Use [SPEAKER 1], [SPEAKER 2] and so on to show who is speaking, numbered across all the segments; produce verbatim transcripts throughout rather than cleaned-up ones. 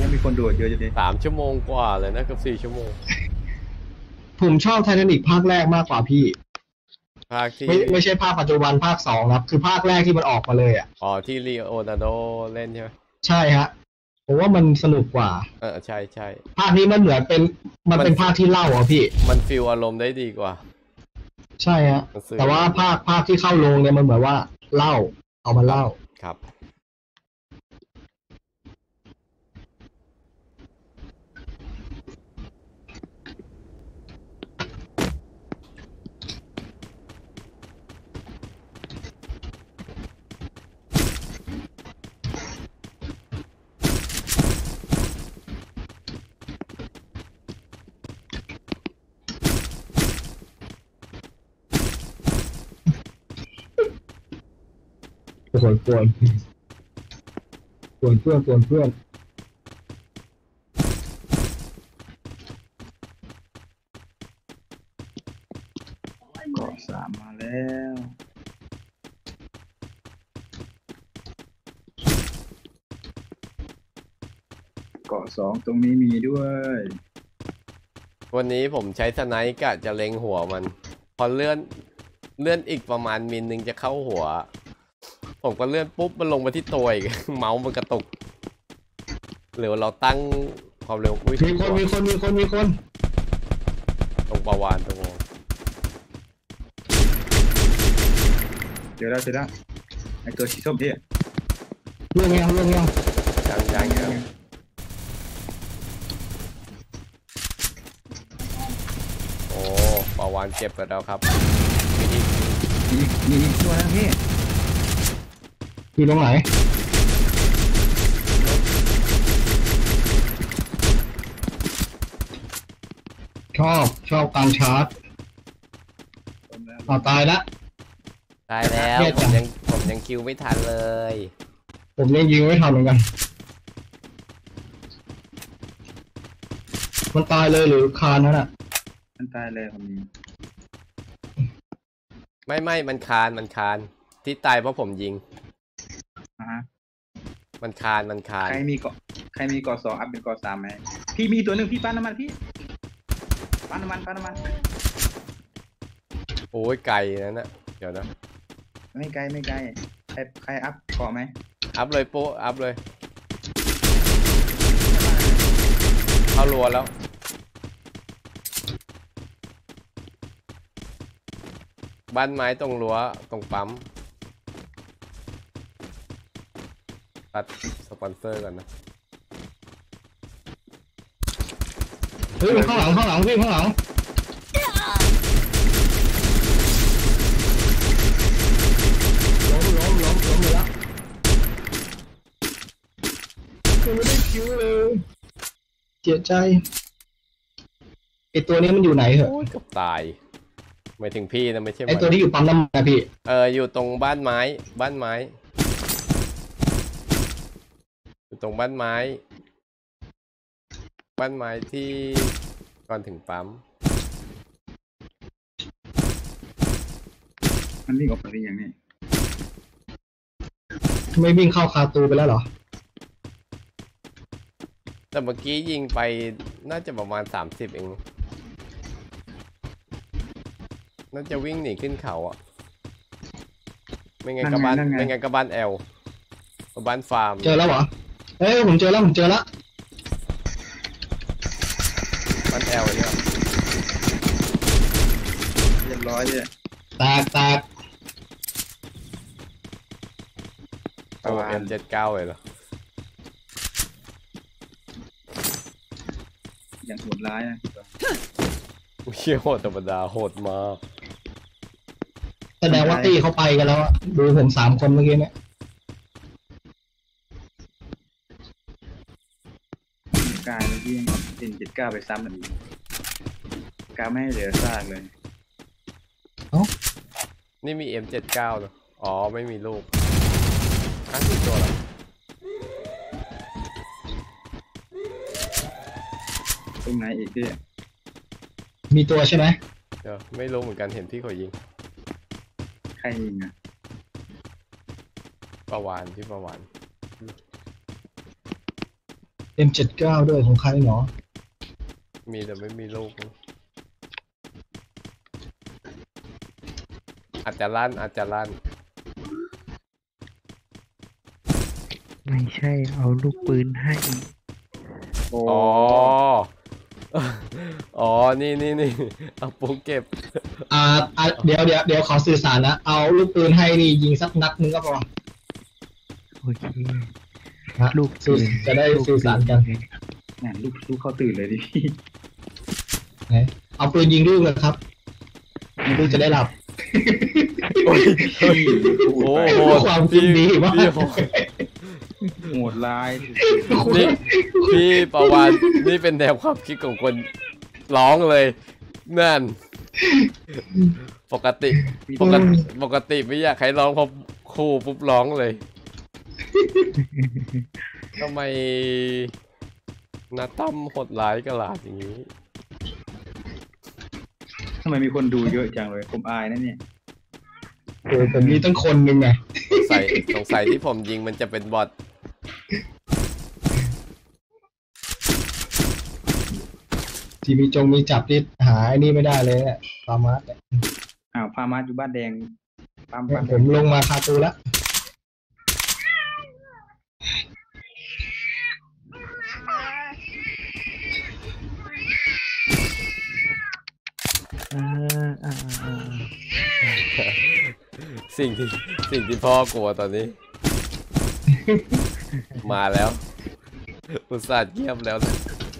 [SPEAKER 1] ยังมีคนโดดเยอะอยู่ดิ
[SPEAKER 2] สามชั่วโมงกว่าเลยนะเกือบสี่ชั่วโมง
[SPEAKER 3] ผมชอบไททานิคภาคแรกมากกว่าพี่
[SPEAKER 2] ภาคที่
[SPEAKER 3] ไม่ไม่ใช่ภาคปัจจุบันภาคสองครับคือภาคแรกที่มันออกมาเลยอ่ะ
[SPEAKER 2] อ๋อที่ลีโอนาร์โดเล่นใช่ไหม
[SPEAKER 3] ใช่ฮะผมว่ามันสนุกกว่า
[SPEAKER 2] เออใช่ใช่
[SPEAKER 3] ภาคนี้มันเหมือนเป็นมันเป็นภาคที่เล่าอ่ะพี่
[SPEAKER 2] มันฟีลอารมณ์ได้ดีกว่า
[SPEAKER 3] ใช่ฮะแต่ว่าภาคภาคที่เข้าโรงเนี่ยมันเหมือนว่าเล่าเอามาเล่า
[SPEAKER 2] ครับ
[SPEAKER 3] โกวนกวนกวนเพื่อนกวนเพื่อน
[SPEAKER 1] เกาะสามมาแล้วเกาะสองตรงนี้มีด้วย
[SPEAKER 2] วันนี้ผมใช้สไนป์กะจะเล็งหัวมันพอเลื่อนเลื่อนอีกประมาณมิลนึงจะเข้าหัวผมก็เลื่อนปุ๊บมันลงมาที่ตัวอีก เมาส์มันกระตุกหรือเราตั้งความเร็วอุ้ย
[SPEAKER 3] มีคนมีคนมีคนมีคน
[SPEAKER 2] ตรงประวานตรง
[SPEAKER 1] เจอแล้วเจอแล้วไอตัวสีส้มที่
[SPEAKER 3] เรื่องยังเรื่องยัง
[SPEAKER 2] ยังยังยังโอ้ประวานเจ็บไปแล้วครับมี
[SPEAKER 1] อีกมีอีกตัวแล้วพี่
[SPEAKER 3] อยู่ตรงไหนชอบชอบการชาร์จเอาตายละ
[SPEAKER 2] ตายแล้วผมยังผมยังคิวไม่ทันเลย
[SPEAKER 3] ผมยังยิงไม่ทันเหมือนกันมันตายเลยหรือคานนั่นอ่ะ
[SPEAKER 1] มันตายเลยผมนี้
[SPEAKER 2] ไม่ไม่มันคานมันคานที่ตายเพราะผมยิง
[SPEAKER 1] อ่า
[SPEAKER 2] มันคานมันคาน
[SPEAKER 1] ใครมีเกาะใครมีเกาะสองอัพเป็นเกาะสามไหมพี่มีตัวหนึ่งพี่ปั้นน้ำมันพี่ปั้นน้ำมันปั้นน้ำมัน
[SPEAKER 2] โอ้ยไกลนั่นนะเดี๋ยวนะ
[SPEAKER 1] ไม่ไกลไม่ไกลใครใครอัพเกาะไหม
[SPEAKER 2] อัพเลยโป๊ะอัพเลยเข้ารัวแล้วบ้านไม้ตรงรั้วตรงปั๊มตัดสปอนเซอร์กันนะ
[SPEAKER 3] เฮ้ยข้างหลังข้างหลังพี่ข้างหลังล้มล้มล้มล้มเลยละไม่ได้คิวเลยเสียใจไอตัวนี้มันอยู่ไหนเหรอ
[SPEAKER 2] เกือบตายหมายถึงพี่นะไม่ใช่
[SPEAKER 3] ไอตัวที่อยู่ปั๊มน้ำมันนะพี่
[SPEAKER 2] เอออยู่ตรงบ้านไม้บ้านไม้อยู่ตรงบ้านไม้บ้านไม้ที่ก่อนถึงปั๊ม
[SPEAKER 1] มันวิ่งออกไปได้ยังไง
[SPEAKER 3] ไม่วิ่งเข้าคาตูไปแล้วเหรอ
[SPEAKER 2] แต่เมื่อกี้ยิงไปน่าจะประมาณสามสิบเองน่าจะวิ่งหนีขึ้นเขาอ่ะไม่งั้นก็บ้านไม่งั้นก็บ้านแอลบ้านฟาร์ม
[SPEAKER 3] เจอแล้วเหรอเอ้ยผมเจอแล้วผมเจอแล้ว
[SPEAKER 2] บ้านแอลเนี่ย
[SPEAKER 1] เรียบร้อยเลย
[SPEAKER 3] แตกแตก
[SPEAKER 2] โอ้เอ็มเจ็ดเก้าเลยเหรอ
[SPEAKER 1] อย่างโหดร้ายนะ
[SPEAKER 2] เชี่ยโหดธรรมดาโหดมาก
[SPEAKER 3] แสดงว่าตี้เขาไปกันแล้วดูผมสามคนเมื่อกี้เนี่ย
[SPEAKER 1] กายเมื่อกี้ยังเอ็นเจ็ดเก้าไปซ้ำมันอีกกาไม่ให้เหลือซากเลย
[SPEAKER 3] เอ้า
[SPEAKER 2] นี่มี เอ็ม เจ็ดเก้า เหรออ๋อไม่มีลูกทั้งสี่ตัวเหรอ
[SPEAKER 1] ตรงไหนอีกพี่
[SPEAKER 3] มีตัวใช่ไหม
[SPEAKER 2] เดี๋ยวไม่รู้เหมือนกันเห็นพี่เขายิง
[SPEAKER 1] ใครยิงอ่ะ
[SPEAKER 2] ประวานที่ประวาน
[SPEAKER 3] เอ็ม เจ็ดสิบเก้า ด้วยของใครเนาะ
[SPEAKER 2] มีแต่ไม่มีลูกอาจจะลั่นอาจจะลั่น
[SPEAKER 4] ไม่ใช่เอาลูกปืนให้
[SPEAKER 1] โอ้
[SPEAKER 2] อ๋อ อ๋อ นี่นี่นี่เอาปุ๊กเก็บ
[SPEAKER 3] อ่าอ่าเดี๋ยวเดี๋ยวเดี๋ยวขอสื่อสารนะเอาลูกปืนให้นี่ยิงสักนัดนึงก็พอ
[SPEAKER 4] โอเค
[SPEAKER 3] นะ
[SPEAKER 4] ลูก
[SPEAKER 3] สื่อจะได้สื่อสารกัน
[SPEAKER 1] นั่นลูกลูกเขาตื่นเลยดิพี่
[SPEAKER 3] นะเอาปืนยิงลูกเลยครับลูกจะได้หลับ
[SPEAKER 2] โอ้ย
[SPEAKER 1] พี่
[SPEAKER 2] โอ้
[SPEAKER 1] พูด
[SPEAKER 2] โห
[SPEAKER 3] ความคิดดีมาก
[SPEAKER 2] พี่โหด
[SPEAKER 1] ไปโหดร้าย
[SPEAKER 2] นี่พี่ประวัน นี่เป็นแนวความคิดของคนร้องเลย นั่น ปกติ ปกติ ปกติไม่อยากให้ร้องพอคู่ปุ๊บร้องเลยทำไมนาตั้มโหดร้ายกระหลาดอย่างนี้
[SPEAKER 1] ทำไมมีคนดูเยอะจังเลยผมอายนะเนี่ย
[SPEAKER 3] เออผมมีตั้งคนหนึ่งไง
[SPEAKER 2] สงสัยสงสัยที่ผมยิงมันจะเป็นบอท
[SPEAKER 3] ที่มีจงมีจับที่หาไอ้นี่ไม่ได้เลยเนี่ยปามาสเนี่ย
[SPEAKER 1] อ้าวพามาอยู่บ้านแดงตาม
[SPEAKER 3] เนี่ย
[SPEAKER 1] บ้าน
[SPEAKER 3] ผมลงมาคาตูแล้ว
[SPEAKER 4] อ่าอ่าอ่า
[SPEAKER 2] สิ่งที่สิ่งที่พ่อกลัวตอนนี้ มาแล้วอุตส่าห์เงียบแล้วนะ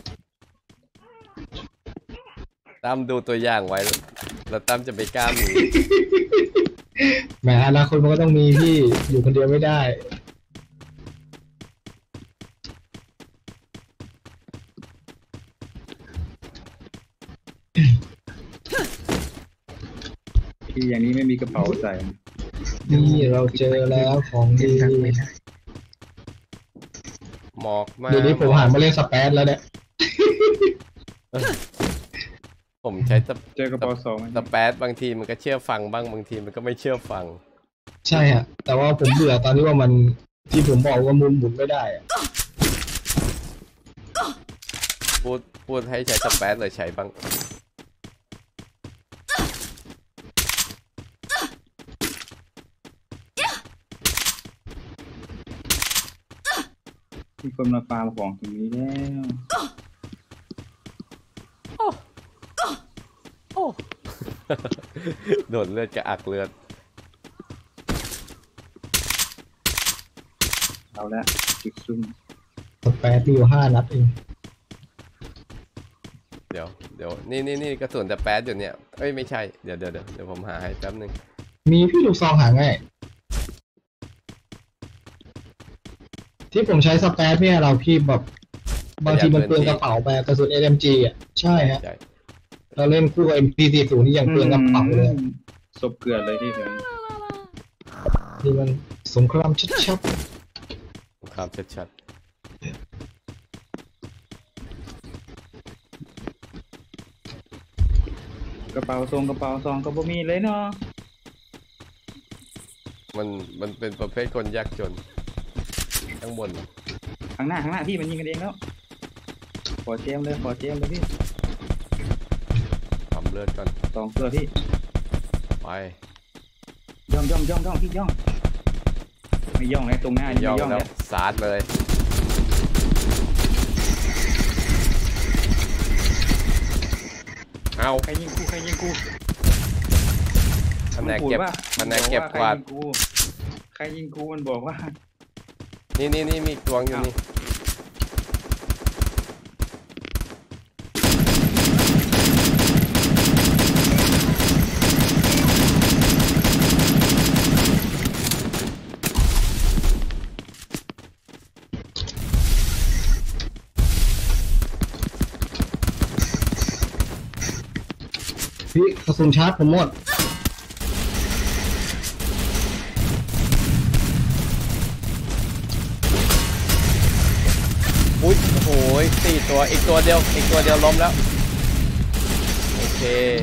[SPEAKER 2] ตั้มดูตัวอย่างไว้แล้วแล้วตั้มจะไม่กล้ามี
[SPEAKER 3] แหมอนาคตมันก็ต้องมีที่อยู่คนเดียวไม่ได้
[SPEAKER 1] พี่อย่างนี้ไม่มีกระเป๋าใส่
[SPEAKER 3] นี่เราเจอแล้วของดี
[SPEAKER 4] ยังไม่ได้
[SPEAKER 2] หมอกมาก
[SPEAKER 3] เดี๋ยวนี้ผมหันมาเล่นสเปซแล้วเนี่ย
[SPEAKER 2] ผมใช้สเป
[SPEAKER 1] เจอกระเป๋าสองไหม
[SPEAKER 2] สเปซบางทีมันก็เชื่อฟังบ้างบางทีมันก็ไม่เชื่อฟัง
[SPEAKER 3] ใช่ฮะแต่ว่าผมเบื่อตอนที่ว่ามันที่ผมบอกว่ามุนหมุนไม่ได้อะ
[SPEAKER 2] พูดพูดให้ใช้สเปซเลยใช้บ้าง
[SPEAKER 1] มีคนมาฟาร์มของตรงนี้แล้ว
[SPEAKER 2] โดนเลือดกระอักเลือด
[SPEAKER 1] เอาละจุดซุ่ม
[SPEAKER 3] สเปซมีอยู่ห้านัดเอง
[SPEAKER 2] เดี๋ยวเดี๋ยวนี่นี่นี่กระสุนสเปซอยู่เนี่ยเอ้ยไม่ใช่เดี๋ยวเดี๋ยวเดี๋ยวเดี๋ยวผมหาให้แป๊บนึง
[SPEAKER 3] มีพี่ลูกซองหาง่ายที่ผมใช้สเปซเนี่ยเราพี่แบบบางทีมันเปลืองกระเป๋าไปกระสุน เอ็ม จี อ่ะใช่ฮะ
[SPEAKER 2] ใช่
[SPEAKER 3] เราเล่นคู่กับ เอ็ม พี สี่สิบ นี่ยังเปลืองกระเป๋าเลย
[SPEAKER 1] ศพเกลือนเลยที่เห็น
[SPEAKER 3] นี่มันสงครามชัด
[SPEAKER 2] ครับชัด
[SPEAKER 1] กระเป๋าทรงกระเป๋าซองก็บ่มีเลยเนาะ
[SPEAKER 2] ๆมันมันเป็นประเภทคนยากจนข้างบน
[SPEAKER 1] ข้างหน้าข้างหน้าพี่มันยิงกันเองแล้วขอเจมเลยขอเจมเลยพี่
[SPEAKER 2] ทำเลือดก่อน
[SPEAKER 1] สองตัวพี่
[SPEAKER 2] ไป
[SPEAKER 1] ย่องย่องย่องย่องพี่ย่องไม่ย่องเลยตรงหน้า
[SPEAKER 2] ย่อง
[SPEAKER 1] ไม่ย่อง
[SPEAKER 2] แล้
[SPEAKER 1] แล้ว ว
[SPEAKER 2] สาดเลยเอา
[SPEAKER 1] ใครยิงกูใครยิงกู
[SPEAKER 2] คะแนนเก็บ
[SPEAKER 1] ว่า
[SPEAKER 2] คะแนนเก็บกวาด
[SPEAKER 1] ใครยิงกูมันบอกว่า
[SPEAKER 2] นี่นี่นี่มีตวงอยู่นี่
[SPEAKER 3] ๆพี่กระสุนชาร์จผมหมด
[SPEAKER 2] อุ้ยโอ้โหสี่ตัวอีกตัวเดียวอีกตัวเดียวล้มแล้วโอเค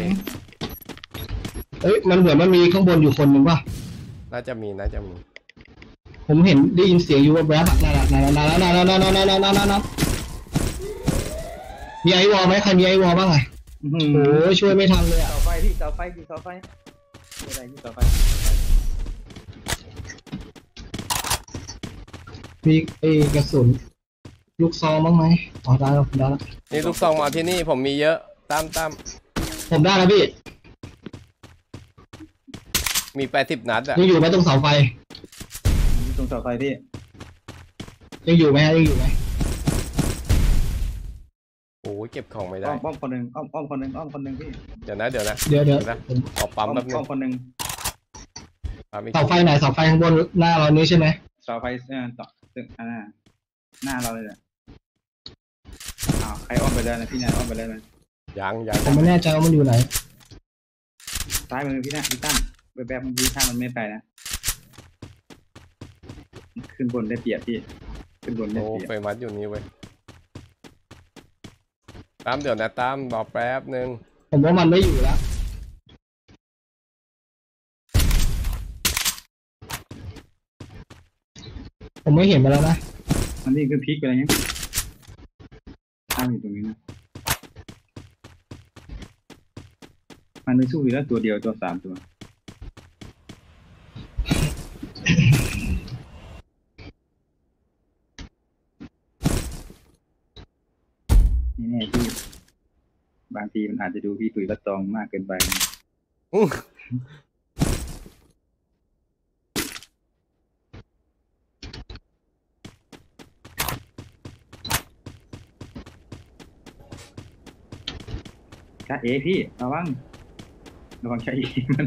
[SPEAKER 3] เอ้ยมันเหมือนมันมีข้างบนอยู่คนหนึ่งป่ะ
[SPEAKER 2] น่าจะมีน่าจะมี
[SPEAKER 3] ผมเห็นได้ยินเสียงอยู่ว่าแวบๆอะนั่นน่ะนั่นน่ะนั่นน่ะนั่นน่ะนั่นน่ะนั่นน่ะนั่นน่ะมีไอวอลไหมใครมีไอวอลบ้างอ่ะ
[SPEAKER 1] อื้อหื
[SPEAKER 3] โอ้
[SPEAKER 1] อย
[SPEAKER 3] ช่วยไม่ทันเลยอ่ะ
[SPEAKER 1] เสาไฟพี่เสาไฟพี่เสาไฟอะไรพี่เสาไฟ
[SPEAKER 3] มีไอกระสุนลูกซองบ้างไหมอ๋อได้แล้วผมได้แล้ว
[SPEAKER 2] นี่ลูกซองมาที่นี่ผมมีเยอะตามตาม
[SPEAKER 3] ผมได้แล้วพี่
[SPEAKER 2] มีแปดสิบนัดอ่ะ
[SPEAKER 3] ยังอยู่ไหมตรงเสาไฟ
[SPEAKER 1] ตรงเสาไฟพี่
[SPEAKER 3] ยังอยู่ไหมฮะยังอยู่ไหม
[SPEAKER 2] โอ้ยเก็บของไม่ได้
[SPEAKER 1] อ้อมอ้อมคนหนึ่งอ้อมอ้อมคนหนึ่งอ้อมคนหนึ่งพี่
[SPEAKER 2] เดี๋ยวนะเดี๋ยวนะ
[SPEAKER 3] เดี๋ยวเดี๋ยว
[SPEAKER 2] เดี๋ยวนะ
[SPEAKER 3] ผม
[SPEAKER 2] ขอปั๊ม
[SPEAKER 1] อ้อม
[SPEAKER 2] แป๊บนึ
[SPEAKER 1] อ้อง มคนหนึ่ง
[SPEAKER 2] ปั๊มอีก
[SPEAKER 3] เสาไฟไหนเสาไฟข้างบนหน้าเรานี้ใช่ไหม
[SPEAKER 1] เสาไฟเออต่อตึกอ่าหน้าเราเลยแหละอ้าวใครอ้อมไปแล้วนะพี่นายอ้อมไปแล้วนะ
[SPEAKER 2] ยังยัง
[SPEAKER 3] ผมไม่แน่ใจว่ามันอยู่ไหน
[SPEAKER 1] ซ้ายมือพี่นะพี่ตั้มแบบแบบมันยืนข้างมันไม่ไปนะขึ้นบนได้เปรียบพี่ขึ้นบนได้
[SPEAKER 2] โอ้
[SPEAKER 1] เปรียบ
[SPEAKER 2] ไฟมัดอยู่นี่เว้ยตามเดี๋ยวนะตามรอแป๊บนึง
[SPEAKER 3] ผมว่ามันไม่อยู่แล้ว ผมไม่เห็นมาแล้วนะ
[SPEAKER 1] มันนี่คือพลิกไปอะไรเงี้ยตั้งอยู่ตรงนี้นะมันไม่สู้อยู่แล้วตัวเดียวตัวสามตัวนี่แน่พี่บางทีมันอาจจะดูพี่ตุ๋ยละตองมากเกินไป
[SPEAKER 2] อื้อ
[SPEAKER 1] จ้าเอพี่ระวังระวังใช้เอมัน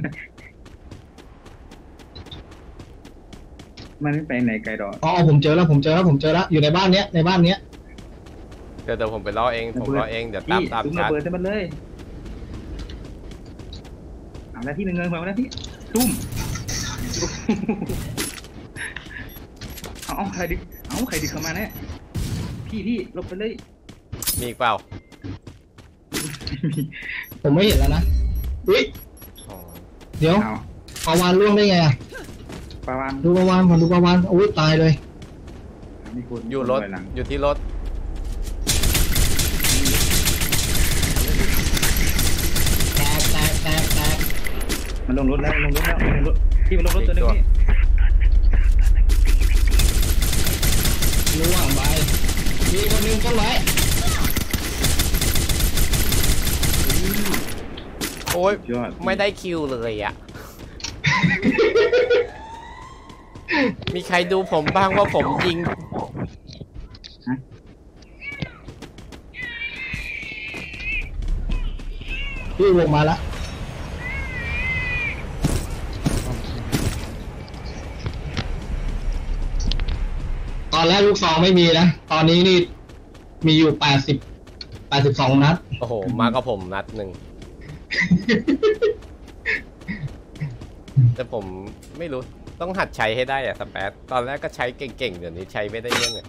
[SPEAKER 1] มันไม่ไปไหนไกลดอก
[SPEAKER 3] อ๋อผมเจอแล้วผมเจอแล้วผมเจอแล้วอยู่ในบ้านเนี้ยในบ้านเนี้ย
[SPEAKER 2] เดี๋ยวเดี๋ยวผมไปรอเองผมรอเองเดี๋ยวตาม
[SPEAKER 1] พี่
[SPEAKER 2] ตาม
[SPEAKER 1] ซุ้ม
[SPEAKER 2] ชา
[SPEAKER 1] ระ
[SPEAKER 2] ร์จ
[SPEAKER 1] เบิดให้มันเลยเอาแล้วที่หนึ่งเงินมาแล้วพี่ตุ้มเอาเอาใครดิเอาใครดิเข้ามาเนี่ยพี่พี่ลบไปเลย
[SPEAKER 2] มีอีกเปล่า
[SPEAKER 3] ผมไม่เห็นแล้วนะอุ้ย
[SPEAKER 2] อ๋อ
[SPEAKER 3] เดี๋ยว
[SPEAKER 1] เอา
[SPEAKER 3] ปลาวานล่วงได้ไงอะ
[SPEAKER 1] ปาวาน
[SPEAKER 3] ดูปลาวานผมดูปลาวานอุ้ยตายเลย
[SPEAKER 1] มีคน
[SPEAKER 2] อยู่รถ
[SPEAKER 1] หลัง
[SPEAKER 2] อยู่ที่รถ
[SPEAKER 3] แตกแตกแตกแตก
[SPEAKER 1] มันลงรถแล้วลงรถแล้วลงรถพี่มันลงรถตัวหนึงพี่
[SPEAKER 3] ล่วงไปมีคนหนึงต้นไม้
[SPEAKER 2] โอ้ย
[SPEAKER 1] ยอด
[SPEAKER 2] ไม่ได้คิวเลยอ่ะ มีใครดูผมบ้างว่าผมยิง
[SPEAKER 3] พี่วงมาแล้วตอนแรกลูกซองไม่มีนะตอนนี้นี่มีอยู่แปดสิบแปดสิบสองนัด
[SPEAKER 2] โอ้โห มากับผมนัดหนึ่ง แต่ผมไม่รู้ต้องหัดใช้ให้ได้อะสแปซตอนแรกก็ใช้เก่งๆ เดี๋ยวนี้ใช้ไม่ได้เรื่องเลย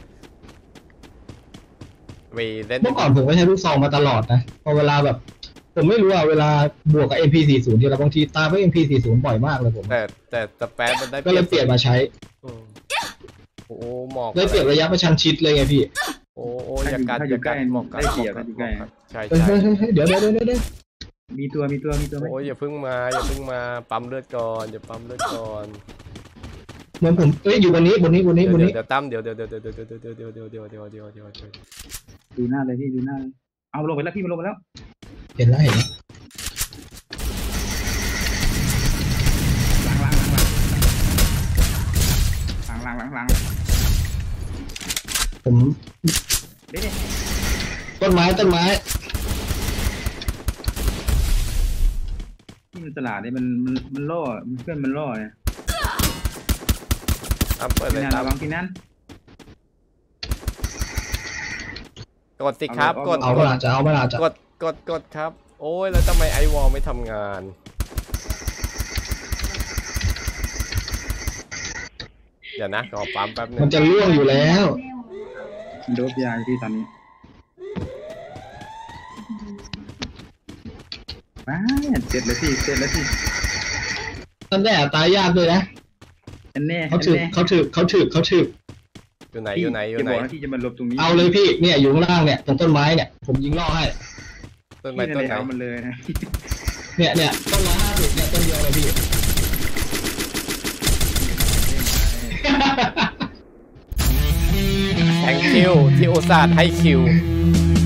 [SPEAKER 2] ไปเล่น
[SPEAKER 3] เมื่อก่อนผมก็ใช้ลูกซองมาตลอดนะพอเวลาแบบ ผมไม่รู้อะเวลาบวกกับ เอ็ม พี สี่สิบ ทีละบางทีตามไป เอ็ม พี สี่สิบ บ่อยมากเลยผม
[SPEAKER 2] แต่แต่สแปซมันได้
[SPEAKER 3] ก็เลยเปลี่ยนมาใช้
[SPEAKER 2] อืมโอ้โหหมอก
[SPEAKER 3] เลยเปลี่ยนระยะประชันชิดเลยไงพี่
[SPEAKER 2] โอ้โหอย่ากัดอย่ากัดหมอกกัด
[SPEAKER 1] ได้เปรียบ
[SPEAKER 2] หมอกกัด
[SPEAKER 1] อยู่ใกล้
[SPEAKER 2] ใช่
[SPEAKER 3] เฮ้ย
[SPEAKER 2] ใช่
[SPEAKER 3] เฮ้ยเฮ้ยเดี๋ยวเดี๋ยวเดี๋ยวเดี๋ยว
[SPEAKER 1] มีตัวมีตัวมีตัวไหม
[SPEAKER 2] โอ้ยอย่าเพิ่งมาอย่าเพิ่งมาปั๊มเลือดก่อนอย่าปั๊มเลือดก่อน
[SPEAKER 3] เหมือนผมเอ้ยอยู่บนนี้บนนี้บนนี้
[SPEAKER 2] เดี๋ยว
[SPEAKER 3] บน
[SPEAKER 2] เดี๋ยว
[SPEAKER 3] นี้
[SPEAKER 2] เดี๋ยวตั้มเดี๋ยวเดี๋ยวเดี๋ยวเดี๋ยวเดี๋ยวเดี๋ยวเดี๋ยวเดี๋ยวเดี๋ยวเดี๋ยวเดี๋ยวเดี๋ยวเดี๋ยว
[SPEAKER 1] ดูหน้าเลยพี่ดูหน้าเลยเอาลงไปแล้วพี่มันลงไปแล้ว
[SPEAKER 3] เห็นแล้วเห็นแล้ว
[SPEAKER 1] หลังหลังหลังหลังหลังหลังหลัง
[SPEAKER 3] ผม
[SPEAKER 1] เด็ด
[SPEAKER 3] ต้นไม้ต้นไม้
[SPEAKER 1] ที่มันตลาดเนี่ยมันมันมันล่อมันเพื่อนมันล่อเนี่ย
[SPEAKER 2] ตั้มเปิดเล
[SPEAKER 1] พี่
[SPEAKER 2] ย
[SPEAKER 1] นัน
[SPEAKER 2] ตั้ม
[SPEAKER 1] ระวังพี่นัน
[SPEAKER 2] กดสิครับกด
[SPEAKER 3] เอาเวลาจะเอาเวลาจะ
[SPEAKER 2] กดกดกดครับ โอ้ยแล้วทำไมไอวอลไม่ทำงาน เดี๋ยวนะขอปั๊มแป๊บนึ
[SPEAKER 3] มัน
[SPEAKER 2] ง
[SPEAKER 3] จะล่วงอยู่แล้ว
[SPEAKER 1] มันโดบยาอยู่พี่ตอนนี้ว้าเสร็จแล้วพี่เสร็จแล้วพี่
[SPEAKER 3] ท่านแน่ตายยากด้วยนะ
[SPEAKER 1] อันแน่
[SPEAKER 3] เขา
[SPEAKER 1] อัน
[SPEAKER 3] ถือ
[SPEAKER 1] แน่
[SPEAKER 3] เขาถือเขาถือเขาถือ
[SPEAKER 2] เอยู่ไหน
[SPEAKER 1] พี่
[SPEAKER 2] อยู่ไหนอยู่
[SPEAKER 1] จะ
[SPEAKER 2] ไหน
[SPEAKER 1] บอกว่าที่จะมาหลบตรงนี้
[SPEAKER 3] เอาเลยพี่เนี่ยอยู่ข้างล่างเนี่ยตรงต้นไม้เนี่ยผมยิงล่อให้
[SPEAKER 2] ต้นไม้
[SPEAKER 1] พี่
[SPEAKER 2] ต้
[SPEAKER 1] นั่
[SPEAKER 2] น
[SPEAKER 1] นแห
[SPEAKER 2] ไหน
[SPEAKER 1] ละเอามันเลยนะ
[SPEAKER 3] เนี่ยเนี่ยต้นร้อยห้าสิบเนี่ยต้นเดียวเลยพี่
[SPEAKER 2] แทงคิวที่อุตส่าห์ให้คิว